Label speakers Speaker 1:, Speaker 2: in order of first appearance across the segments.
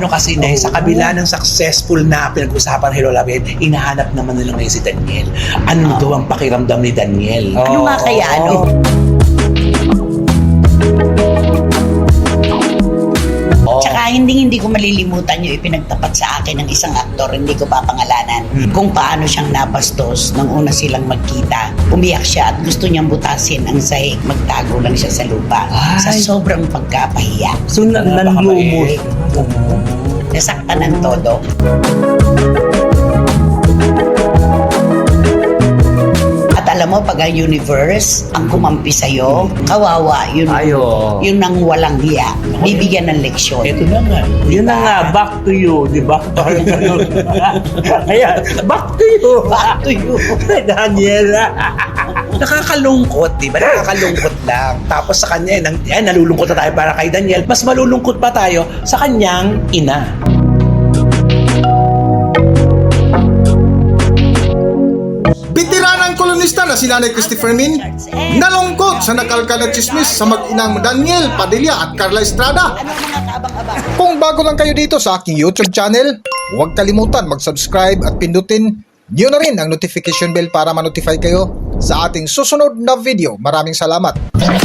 Speaker 1: ano kasi na sa kabila ng successful na pinag-usapan Hello Love It, hinahanap naman nila ngayon si Daniel. Ano daw ang pakiramdam ni Daniel?
Speaker 2: Ano nga kaya, ano? Tsaka hindi ko malilimutan yung ipinagtapat sa akin ng isang aktor, hindi ko papangalanan, kung paano siyang nabastos nang una silang magkita. Umiyak siya at gusto niyang butasin ang sahig, magtago lang siya sa lupa. Sa sobrang pagkapahiya.
Speaker 3: So, nanlumos.
Speaker 2: Nasaktan ng todo. At alam mo, pag ang universe ang kumampi sa'yo, kawawa, yun,
Speaker 3: Ayo.
Speaker 2: yun ang walang hiya. Bibigyan ng leksyon.
Speaker 1: Ito na nga.
Speaker 3: Yun na nga, back to you, di ba? Ayan, back to you.
Speaker 2: Back to you.
Speaker 3: Daniel.
Speaker 1: Nakakalungkot, di ba? Nakakalungkot lang. Tapos sa kanya, nalulungkot na tayo para kay Daniel. Mas malulungkot pa tayo sa kanyang ina.
Speaker 4: Veteranang kolonista na si Nanay Christopher Min nalungkot sa nakalkal na chismis sa mag-inang Daniel Padilla at Carla Estrada.
Speaker 2: Ano mga kaabang-abang?
Speaker 4: Kung bago lang kayo dito sa aking YouTube channel, huwag kalimutan mag-subscribe at pindutin niyo na rin ang notification bell para ma-notify kayo sa ating susunod na video. Maraming salamat.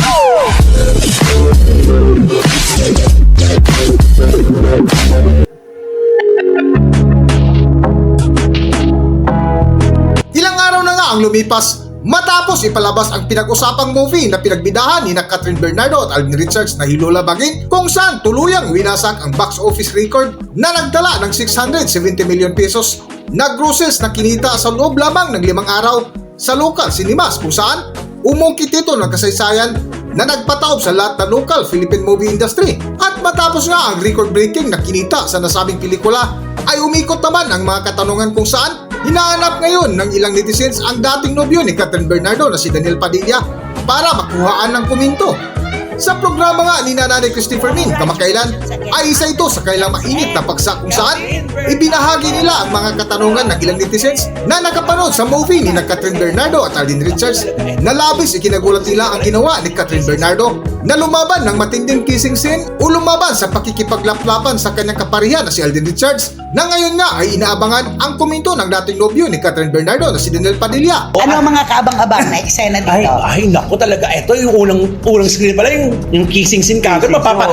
Speaker 4: Ilang araw na nga ang lumipas matapos ipalabas ang pinag-usapang movie na pinagbidahan ni Catherine Bernardo at Alden Richards na Hilula Baging, kung saan tuluyang winasak ang box office record na nagdala ng 670 million pesos na grosses na kinita sa loob lamang ng 5 araw sa local cinemas, kung saan umungkit ito ng kasaysayan na nagpataob sa lahat ng local Philippine movie industry. At matapos nga ang record-breaking na kinita sa nasabing pelikula, ay umikot naman ang mga katanungan kung saan hinahanap ngayon ng ilang netizens ang dating nobyo ni Catherine Bernardo na si Daniel Padilla para makuhaan ng komento. Sa programa nga ni Nanay Christopher Min kamakailan ay isa ito sa kailang mainit na paksa kung saan ibinahagi nila ang mga katanungan ng ilang netizens na nakapanood sa movie ni Catherine Bernardo at Alden Richards na labis ikinagulat nila ang ginawa ni Catherine Bernardo na lumaban ng matinding kissing scene o lumaban sa pakikipaglaplapan sa kanyang kaparihan na si Alden Richards na ngayon nga ay inaabangan ang komento ng dating nobyo ni Catherine Bernardo na si Daniel Padilla.
Speaker 2: Ano mga kaabang-abang na eksena dito?
Speaker 1: Ay, naku talaga. Ito yung unang screen pala, yung kissing scene kagad.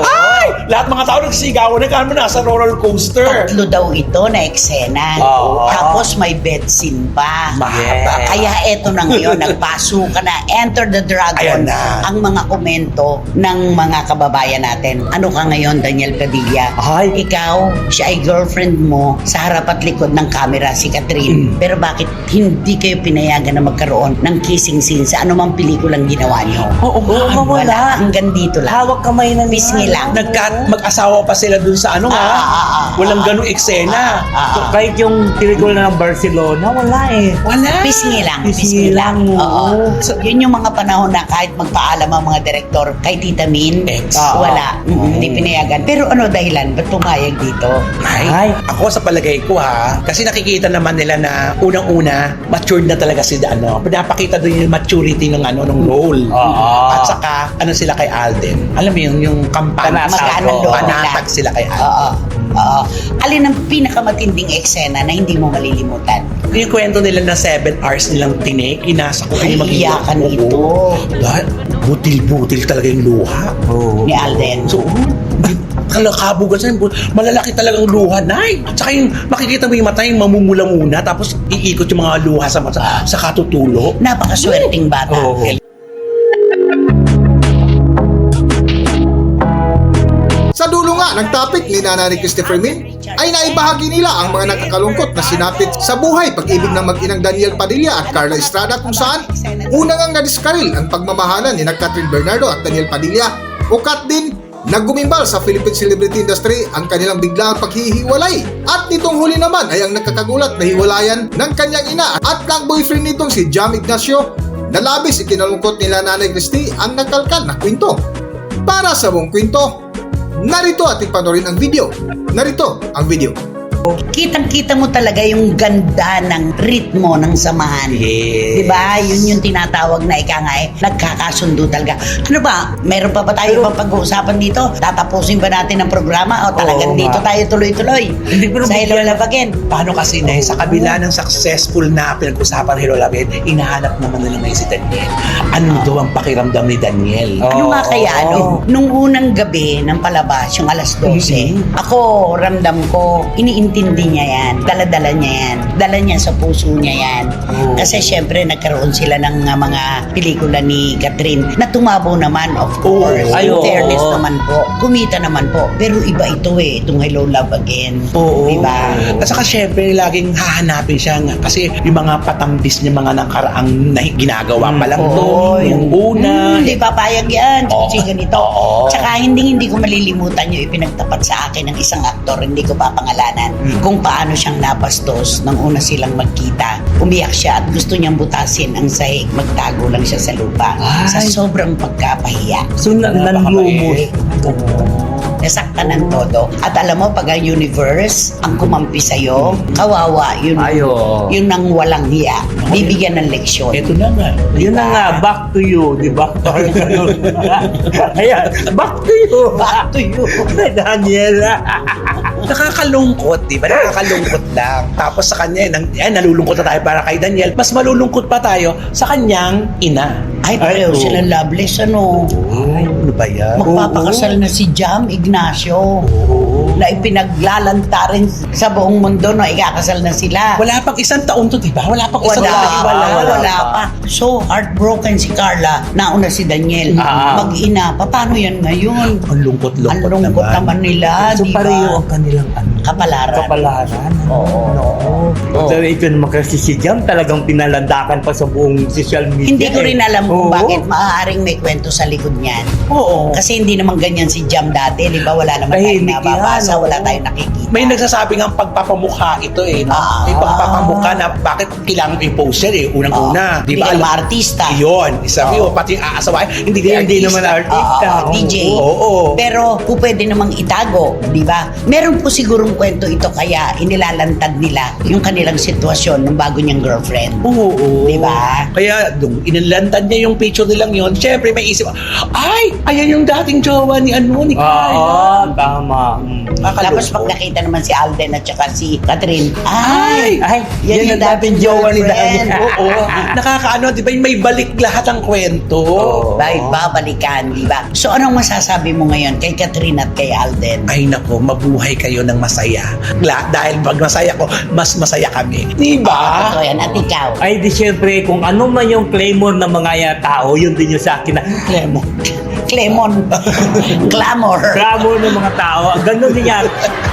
Speaker 1: Ay! Lahat mga tao nagsigawan na kami nasa roller coaster.
Speaker 2: Tatlo daw ito na eksena. Tapos may bed scene pa.
Speaker 1: Mahaba.
Speaker 2: Kaya eto na ngayon, nagpaso ka na. Enter the Dragon.
Speaker 1: Ayan na.
Speaker 2: Ang mga komento ng mga kababayan natin. Ano ka ngayon, Daniel Padilla?
Speaker 1: Ay.
Speaker 2: Ikaw, siya ay girlfriend mo sa harap at likod ng camera, si Catherine. Pero bakit hindi kayo pinayagan na magkaroon ng kissing scene sa anumang pelikulang ginawa niyo?
Speaker 3: Oo,
Speaker 2: Wala. Hanggang dito lang.
Speaker 3: Hawak kamay na
Speaker 2: Pisngi lang.
Speaker 1: Mag-asawa pa sila dun sa ano nga. Walang ganung eksena.
Speaker 3: So, kahit yung pelikula ng Barcelona, wala eh.
Speaker 1: Wala.
Speaker 2: Pisngi lang.
Speaker 3: Pisngi lang,
Speaker 2: Oo.
Speaker 3: oo.
Speaker 2: So, yun yung mga panahon na kahit magpaalam ang mga direktor kay Tita Min, wala. Hindi pinayagan. Pero ano dahilan? Ba't pumayag dito?
Speaker 1: Ay, ako sa palagay ko ha, kasi nakikita naman nila na unang-una, matured na talaga si pinapakita doon yung maturity ng ng role. At saka, sila kay Alden. Alam mo yung kampanya.
Speaker 2: Magkano doon
Speaker 1: Panatag sila kay Alden.
Speaker 2: Oo. Alin ang pinakamatinding eksena na hindi mo malilimutan?
Speaker 1: Yung kwento nila na 7 hours nilang tinik, inasa ko kayo
Speaker 2: Iyakan ito.
Speaker 1: Dahil butil-butil talaga yung luha.
Speaker 2: Ni Alden.
Speaker 1: So, kalakabugan sa malalaki talagang luha, Nay. Tsaka yung makikita mo yung mata, yung mamumula muna, tapos iikot yung mga luha sa katutulo.
Speaker 2: Napakaswerteng bata.
Speaker 4: Sa dulo nga ng topic ni Nanay Christopher Min ay naibahagi nila ang mga nakakalungkot na sinapit sa buhay pag-ibig ng mag-inang Daniel Padilla at Carla Estrada, kung saan unang ang nadiskaril ang pagmamahalan ni Catherine Bernardo at Daniel Padilla, ukat din na gumimbal sa Philippine celebrity industry ang kanilang biglaang paghihiwalay. At nitong huli naman ay ang nakakagulat na hiwalayan ng kanyang ina at ng boyfriend nitong si Jam Ignacio na labis ikinalungkot nila Nanay Christy ang nakalkal na kwento. Para sa buong kwento, narito ating panoorin ang video. Narito ang video.
Speaker 2: Kitang-kita mo talaga yung ganda ng ritmo ng samahan.
Speaker 1: Yes.
Speaker 2: Diba? Yun yung tinatawag na ika nga nagkakasundo talaga. Ano ba? Meron pa ba tayo pang pag-uusapan dito? Tatapusin ba natin ang programa o talagang
Speaker 3: Oo,
Speaker 2: dito
Speaker 3: nga.
Speaker 2: tayo tuloy-tuloy?
Speaker 3: Hindi ko na
Speaker 2: Sa Hello
Speaker 3: bigyan-
Speaker 2: Love Again.
Speaker 1: Paano kasi na sa kabila ng successful na pinag-usapan ni Hello Love Again, inahanap naman nila ngayon si Daniel. Ano daw ang pakiramdam ni Daniel?
Speaker 2: Ano nga kaya,
Speaker 3: Oo.
Speaker 2: nung unang gabi ng palabas, yung alas 12, ako, ramdam ko, iniintindi niya yan. Dala-dala niya yan. Dala niya sa puso niya yan.
Speaker 3: Oo.
Speaker 2: Kasi syempre, nagkaroon sila ng mga pelikula ni Catherine na tumabo naman, of course.
Speaker 3: Ay,
Speaker 2: In
Speaker 3: oo.
Speaker 2: fairness naman po. Kumita naman po. Pero iba ito itong Hello Love Again.
Speaker 1: Oo.
Speaker 2: Diba?
Speaker 1: At saka syempre, laging hahanapin siya nga. Kasi yung mga patambis niya, mga nakaraang ginagawa pa lang to.
Speaker 2: Oo,
Speaker 1: Yung una.
Speaker 2: Hindi papayag yan.
Speaker 1: Oo.
Speaker 2: Kasi ganito.
Speaker 1: Oo.
Speaker 2: Tsaka hindi ko malilimutan yung ipinagtapat sa akin ng isang aktor, hindi ko papangalanan, kung paano siyang napastos nang una silang magkita. Umiyak siya at gusto niyang butasin ang sahig, magtago lang siya sa lupa. Sa
Speaker 3: Ay.
Speaker 2: sobrang pagkapahiya.
Speaker 3: So, nanlumos.
Speaker 2: Nasaktan ng todo. At alam mo, pag ang universe ang kumampi sa'yo, kawawa, yun,
Speaker 3: Ayo.
Speaker 2: yun ang walang hiya. Bibigyan ng leksyon.
Speaker 1: Ito na nga.
Speaker 3: Yun na nga, back to you, di ba? Ayan, back to you.
Speaker 2: Back to you.
Speaker 3: Daniela.
Speaker 1: Nakakalungkot, di ba? Nakakalungkot lang. Tapos sa kanya, nalulungkot na tayo para kay Daniel. Mas malulungkot pa tayo sa kanyang ina.
Speaker 2: Ay, pareho
Speaker 3: oo.
Speaker 2: silang loveless, ano?
Speaker 1: Ay, ano ba yan?
Speaker 2: Magpapakasal na si Jam Ignacio na ipinaglalanta rin sa buong mundo na ikakasal na sila.
Speaker 1: Wala pang isang taon to, di ba? Wala pang isang
Speaker 2: Wala,
Speaker 1: taon.
Speaker 2: wala pa. So, heartbroken si Carla. Nauna si Daniel.
Speaker 3: Ah.
Speaker 2: Mag-ina. Paano yan ngayon?
Speaker 1: Ang lungkot-lungkot
Speaker 2: Ang lungkot naman nila,
Speaker 3: So,
Speaker 2: di ba?
Speaker 3: pareho ang kanilang
Speaker 2: Kapalaran.
Speaker 3: kapalaran.
Speaker 2: Oo.
Speaker 3: Oo.
Speaker 2: Oo.
Speaker 3: So, ito naman kasi si Jam talagang pinalandakan pa sa buong social media.
Speaker 2: Hindi ko rin alam kung
Speaker 3: Oo.
Speaker 2: bakit maaaring may kwento sa likod niyan.
Speaker 1: Oo.
Speaker 2: Kasi hindi naman ganyan si Jam dati, di ba? Wala naman tayong
Speaker 3: Tahimik
Speaker 2: nababasa,
Speaker 3: yan, oo.
Speaker 2: wala tayong nakikita.
Speaker 1: May nagsasabing ang pagpapamukha ito eh. No?
Speaker 2: Ah.
Speaker 1: May pagpapamukha na bakit kailangan i-poster eh. Unang-una.
Speaker 2: Di
Speaker 1: Di ba?
Speaker 2: ba? Artista.
Speaker 1: Yun. Isa yun. Pati yung aasawa. Hindi
Speaker 3: Hindi naman artista.
Speaker 2: DJ.
Speaker 1: Oo.
Speaker 2: Pero po pwede namang itago, di ba? Meron po sigurong kwento ito kaya inilalantad nila yung kanilang sitwasyon ng bago niyang girlfriend.
Speaker 1: Oo.
Speaker 2: Di ba?
Speaker 1: Kaya, nung inilantad niya yung picture nilang yun, syempre may isip, ay, ayan yung dating jowa ni
Speaker 3: Oo,
Speaker 1: Carla.
Speaker 3: tama.
Speaker 2: Tapos pag nakita naman si Alden at saka si Catherine, ay,
Speaker 3: Ay,
Speaker 2: yan yung dating jowa ni
Speaker 3: girlfriend.
Speaker 2: Daniel.
Speaker 1: Oo. Nakakaano, di ba? May balik lahat ang kwento.
Speaker 3: Oo.
Speaker 2: Dahil babalikan, di ba? So anong masasabi mo ngayon kay Catherine at kay Alden?
Speaker 1: Ay nako, mabuhay kayo ng masaya. Dahil pag masaya ko, mas masaya kami. Di ba?
Speaker 2: Ito yan, at ikaw.
Speaker 3: Ay, di syempre, kung ano man yung claymore ng mga tao, yun din yung sa akin na
Speaker 1: Clemo.
Speaker 2: Clemon. Clamor.
Speaker 3: clamor ng mga tao. Ganun din yan.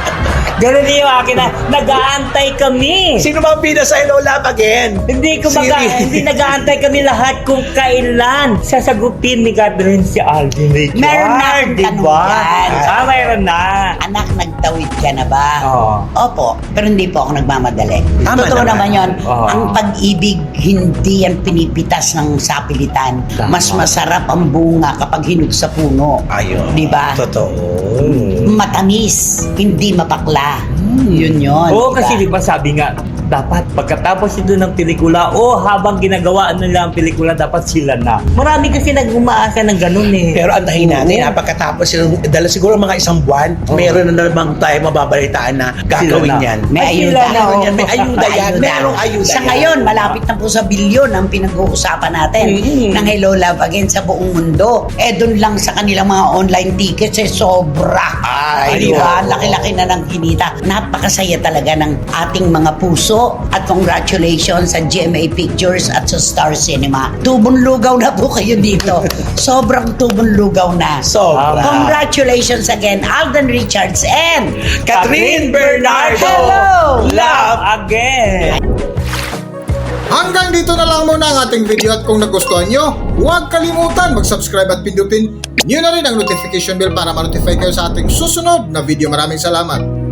Speaker 3: Ganun din yung akin na nag-aantay kami.
Speaker 1: Sino bang bida sa Hello Love Again?
Speaker 3: Hindi
Speaker 1: Siri.
Speaker 3: hindi nag-aantay kami lahat kung kailan sasagutin ni Catherine si Alden Richard.
Speaker 2: Meron na akong tanong yan.
Speaker 3: Mayroon na.
Speaker 2: Anak, nagtawid ka na ba?
Speaker 3: Oo.
Speaker 2: Opo, pero hindi po ako nagmamadali.
Speaker 1: Tama
Speaker 2: Totoo naman
Speaker 1: naman.
Speaker 2: yon.
Speaker 3: Oo.
Speaker 2: Ang pag-ibig, hindi yan pinipitas ng sapilitan.
Speaker 3: Tama.
Speaker 2: Mas masarap ang bunga kapag hinog sa puno.
Speaker 1: Ayun.
Speaker 2: Di ba?
Speaker 1: Totoo.
Speaker 2: Matamis, hindi mapakla. Yun yun.
Speaker 3: Oo,
Speaker 2: di ba?
Speaker 3: kasi di ba sabi nga, dapat pagkatapos ito ng pelikula o habang ginagawa nila ang pelikula, dapat sila na. Marami kasi nag-umaasa ng ganun eh.
Speaker 1: Pero antayin natin,
Speaker 3: Oo.
Speaker 1: pagkatapos dala siguro mga isang buwan,
Speaker 3: Oo.
Speaker 1: meron na namang tayo mababalitaan na gagawin
Speaker 3: Sila na.
Speaker 1: yan.
Speaker 2: May
Speaker 3: Ay,
Speaker 2: ayuda.
Speaker 3: sila na, oo.
Speaker 1: May ayuda yan. Merong ayuda
Speaker 2: Sa
Speaker 1: yan.
Speaker 2: ngayon, malapit na po sa bilyon ang pinag-uusapan natin ng Hello Love Again sa buong mundo. Eh, dun lang sa kanilang mga online tickets, sobra.
Speaker 1: Ay,
Speaker 2: Di ba?
Speaker 1: oo.
Speaker 2: Laki-laki na ng kinita. Napakasaya talaga ng ating mga puso at congratulations sa GMA Pictures at sa Star Cinema. Tubong lugaw na po kayo dito. Sobrang tubong lugaw na.
Speaker 1: Sobra.
Speaker 2: Congratulations again, Alden Richards and
Speaker 1: Catherine Bernardo.
Speaker 2: Hello!
Speaker 1: Love.
Speaker 3: Again.
Speaker 4: Hanggang dito na lang muna ang ating video at kung nagustuhan nyo, huwag kalimutan mag-subscribe at pindutin nyo na rin ang notification bell para ma-notify kayo sa ating susunod na video. Maraming salamat!